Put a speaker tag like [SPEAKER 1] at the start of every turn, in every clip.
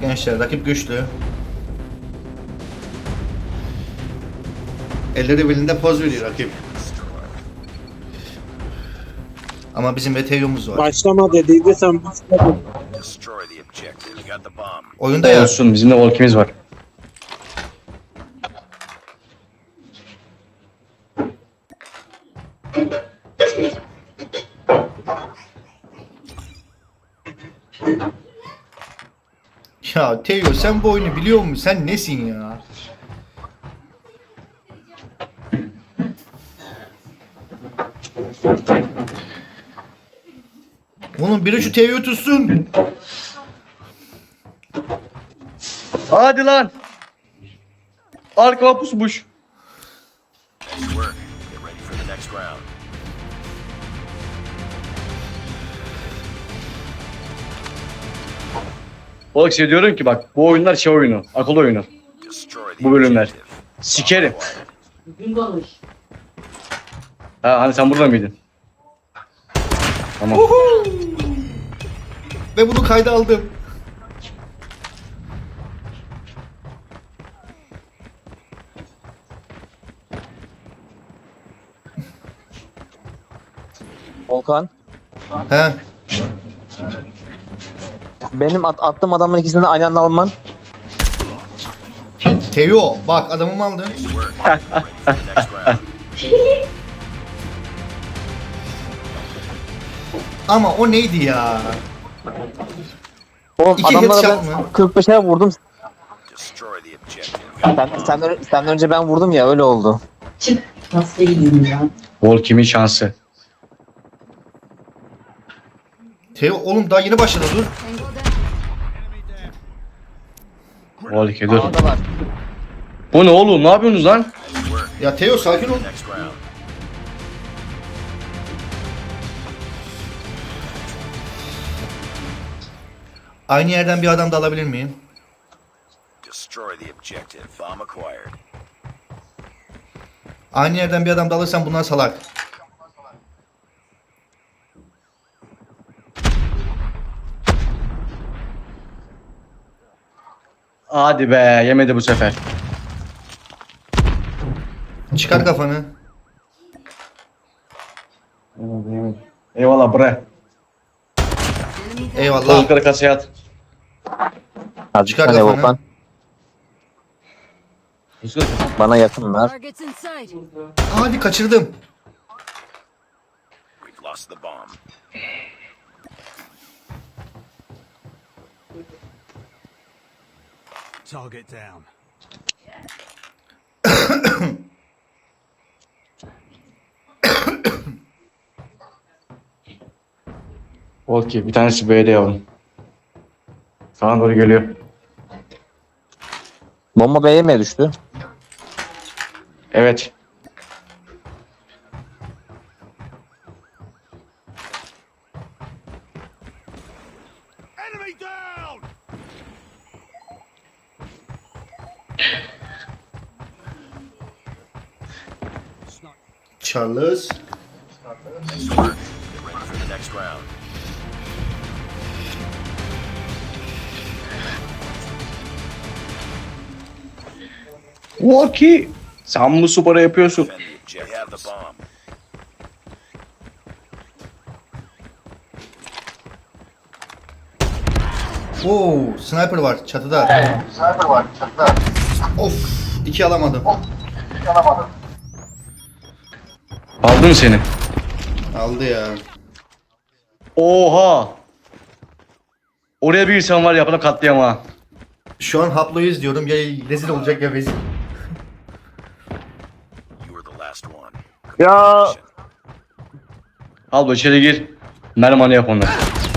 [SPEAKER 1] Gençler rakip güçlü. Elleri belinde poz veriyor rakip. Ama bizim Ethereum'umuz var.
[SPEAKER 2] Başlama dediydi sen başladın.
[SPEAKER 1] Oyunda ya.
[SPEAKER 3] Olsun, bizim de Volk'imiz var.
[SPEAKER 1] Ya Teo sen bu oyunu biliyor musun? Sen nesin ya? Oğlum biri şu Teo'yu tutsun.
[SPEAKER 3] Hadi lan. Arkama pusmuş. Volk size diyorum ki bak bu oyunlar şey oyunu, akıl oyunu. Bu bölümler. Sikerim. Ha hani sen burada mıydın? Tamam.
[SPEAKER 1] Ve bunu kayda aldım.
[SPEAKER 4] Volkan.
[SPEAKER 1] He.
[SPEAKER 4] Benim attığım adamın ikisini de aynı anda alman.
[SPEAKER 1] Teo bak adamımı aldın. Ama o neydi ya?
[SPEAKER 4] Oğlum
[SPEAKER 1] İki
[SPEAKER 4] adamlara
[SPEAKER 1] headshot
[SPEAKER 4] ben
[SPEAKER 1] mı?
[SPEAKER 4] 45'e vurdum. Senden önce ben vurdum ya öyle oldu.
[SPEAKER 5] Çık. Nasıl gideyim ya?
[SPEAKER 3] Volk'imin şansı.
[SPEAKER 1] Teo oğlum daha yeni başladı dur.
[SPEAKER 3] Volk'e dur.
[SPEAKER 4] Ağda var.
[SPEAKER 3] Bu ne oğlum? Ne yapıyorsunuz lan?
[SPEAKER 1] Ya Teo sakin ol. Aynı yerden bir adam da alabilir miyim? Aynı yerden bir adam da alırsam bunlar salak.
[SPEAKER 3] Hadi be, yemedi bu sefer.
[SPEAKER 1] Çıkar kafanı.
[SPEAKER 3] Yemedi. Eyvallah bre.
[SPEAKER 1] Eyvallah.
[SPEAKER 3] Tavukları kasaya at.
[SPEAKER 4] Hadi
[SPEAKER 1] Çıkar
[SPEAKER 4] hadi
[SPEAKER 1] kafanı.
[SPEAKER 4] Volkan. Bana yakın ver.
[SPEAKER 6] Targets in sight.
[SPEAKER 1] Hadi kaçırdım.
[SPEAKER 7] Target down.
[SPEAKER 3] Volki bir tanesi B'de yavrum. Sana doğru geliyor.
[SPEAKER 4] Bomba B'ye mi düştü?
[SPEAKER 3] Evet.
[SPEAKER 7] Enemy down!
[SPEAKER 1] Charles.
[SPEAKER 3] Volki. Sen bu sporu yapıyorsun.
[SPEAKER 1] Oo, sniper var çatıda. Of, iki alamadım.
[SPEAKER 3] Aldı mı seni?
[SPEAKER 1] Aldı ya.
[SPEAKER 3] Oha. Oraya bir insan var yapana katliam ha.
[SPEAKER 1] Şu an haployuz diyorum ya rezil olacak ya rezil.
[SPEAKER 4] Ya
[SPEAKER 3] Al bu içeri gir. Mermanı yap onları.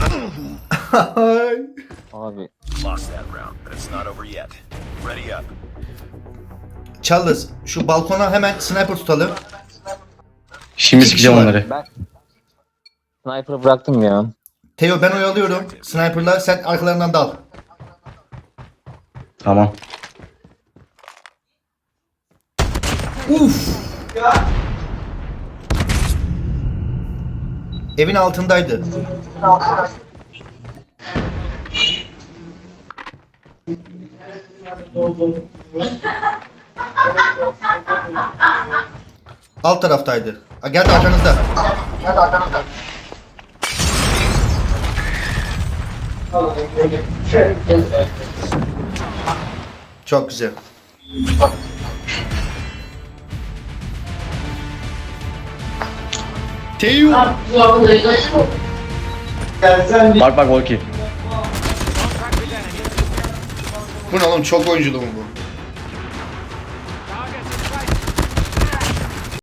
[SPEAKER 4] abi
[SPEAKER 1] Charles şu balkona hemen sniper tutalım.
[SPEAKER 3] Şimdi
[SPEAKER 1] İki kişi
[SPEAKER 3] sikeceğim
[SPEAKER 1] var.
[SPEAKER 3] onları.
[SPEAKER 4] ben sniper'ı bıraktım ya.
[SPEAKER 1] Teo ben oyalıyorum. Sniper'la sen arkalarından dal.
[SPEAKER 3] Tamam.
[SPEAKER 1] Uf. Evin altındaydı. Alt taraftaydı. Ha, geldi arkanızda. Çok güzel. Teo.
[SPEAKER 3] Bak Volki.
[SPEAKER 1] Bu ne oğlum, çok oyunculu mu bu?